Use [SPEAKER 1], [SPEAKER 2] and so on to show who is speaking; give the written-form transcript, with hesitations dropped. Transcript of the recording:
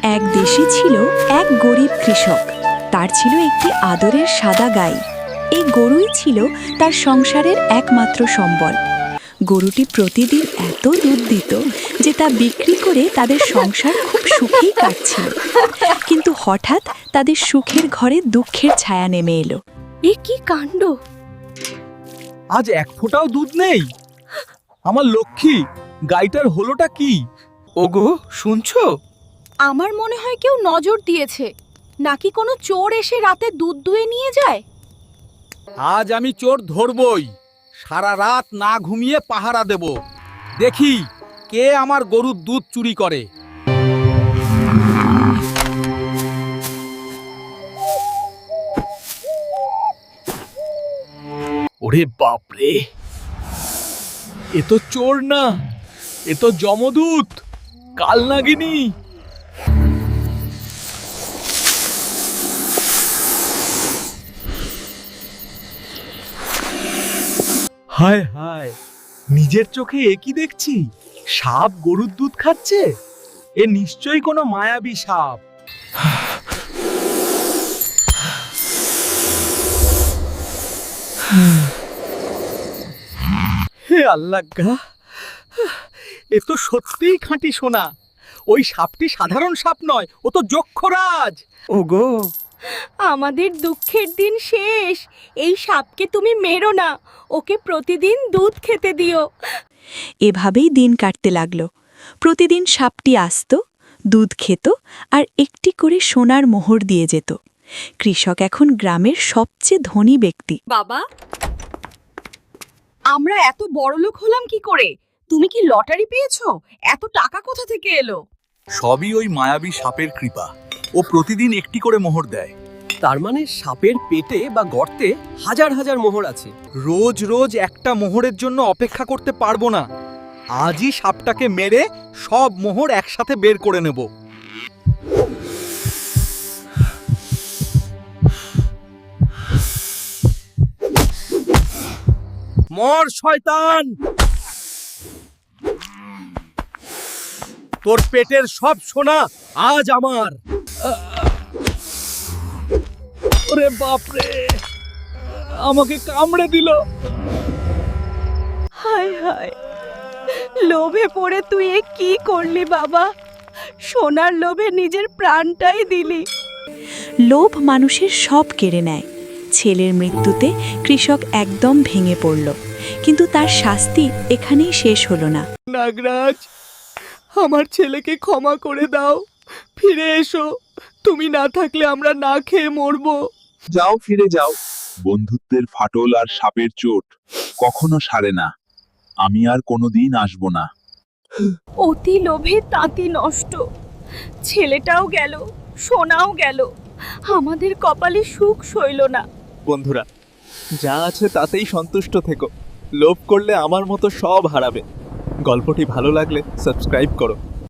[SPEAKER 1] এক দেশে ছিল এক গরিব কৃষক। তার ছিল একটি আদরের সাদা গাই। এই গরুই ছিল তার সংসারের একমাত্র সম্বল। গরুটি প্রতিদিন এত দুধ দিত যে তা বিক্রি করে তাদের সংসার খুব সুখেই কাটছিল। কিন্তু হঠাৎ তাদের সুখের ঘরে দুঃখের ছায়া নেমে এলো।
[SPEAKER 2] এ কি কাণ্ড!
[SPEAKER 3] আজ এক ফোঁটাও দুধ নেই। আমার লক্ষ্মী, গাইটার হলোটা কি? ওগো, শুনছো?
[SPEAKER 2] আমার মনে হয় কেউ নজর দিয়েছে, নাকি কোনো চোর এসে রাতে দুধ দুয়ে নিয়ে যায়।
[SPEAKER 3] আজ আমি চোর ধরবই। সারা রাত না ঘুমিয়ে পাহারা দেব। দেখি কে আমার গরুর দুধ চুরি করে। ওরে বাপরে, এ তো চোর না, এ তো যমদূত, কালনাগিনী। হায় হায়, নিজের চোখে এ কি দেখছি? সাপ গরুর দুধ খাচ্ছে। এ নিশ্চয়ই কোনো মায়াবী সাপ। হে আল্লাহ গা, এ তো সত্যিই খাঁটি সোনা। ওই সাপটি সাধারণ সাপ নয়, ও তো যক্ষরাজ। ওগো,
[SPEAKER 2] আমাদের দুঃখের দিন শেষ। এই সাপকে তুমি মেরো না, ওকে প্রতিদিন দুধ খেতে দিও।
[SPEAKER 1] এভাবেই দিন কাটতে লাগলো। প্রতিদিন সাপটি আসত, দুধ খেত আর একটি করে সোনার মোহর দিয়ে যেত। কৃষক এখন গ্রামের সবচেয়ে ধনী ব্যক্তি।
[SPEAKER 2] বাবা, আমরা এত বড়লোক হলাম কি করে? তুমি কি লটারি পেয়েছো? এত টাকা কোথা থেকে এলো?
[SPEAKER 3] সবই ওই মায়াবী সাপের কৃপা। ও প্রতিদিন একটি করে মোহর দেয়।
[SPEAKER 4] তার মানে সাপের পেটে বা গর্তে হাজার হাজার মোহর আছে।
[SPEAKER 3] রোজ রোজ একটা মোহরের জন্য অপেক্ষা করতে পারবো না। আজই সাপটাকে মেরে সব মোহর একসাথে বের করে নেব। মর শয়তান! তোর পেটের সব সোনা আজ আমার। ওরে বাপরে, আমাকে কামড়ে দিল।
[SPEAKER 2] হায় হায়, লোভে পড়ে তুই এ কি করলি বাবা? সোনার লোভে নিজের প্রাণটাই দিলি।
[SPEAKER 1] লোভ মানুষের সব কেড়ে নেয়। ছেলের মৃত্যুতে কৃষক একদম ভেঙে পড়ল, কিন্তু তার শাস্তি এখানেই শেষ হলো না।
[SPEAKER 3] নাগরাজ, আমার ছেলেকে ক্ষমা করে দাও। ফিরে এসো। তুমি না থাকলে আমরা না খেয়ে মরবো।
[SPEAKER 5] যাও, ফিরে যাও। বন্ধুত্বের ফাটল আর সাপের চোট কখনো সারে না। আমি আর কোনোদিন আসবো না।
[SPEAKER 2] অতি লোভে তাঁতি নষ্ট। ছেলেটাও গেল, সোনাও গেল। আমাদের কপালে সুখ সইল না।
[SPEAKER 3] বন্ধুরা, যা আছে তাতেই সন্তুষ্ট থেকো। লোভ করলে আমার মতো সব হারাবে। গল্পটি ভালো লাগলে সাবস্ক্রাইব করো।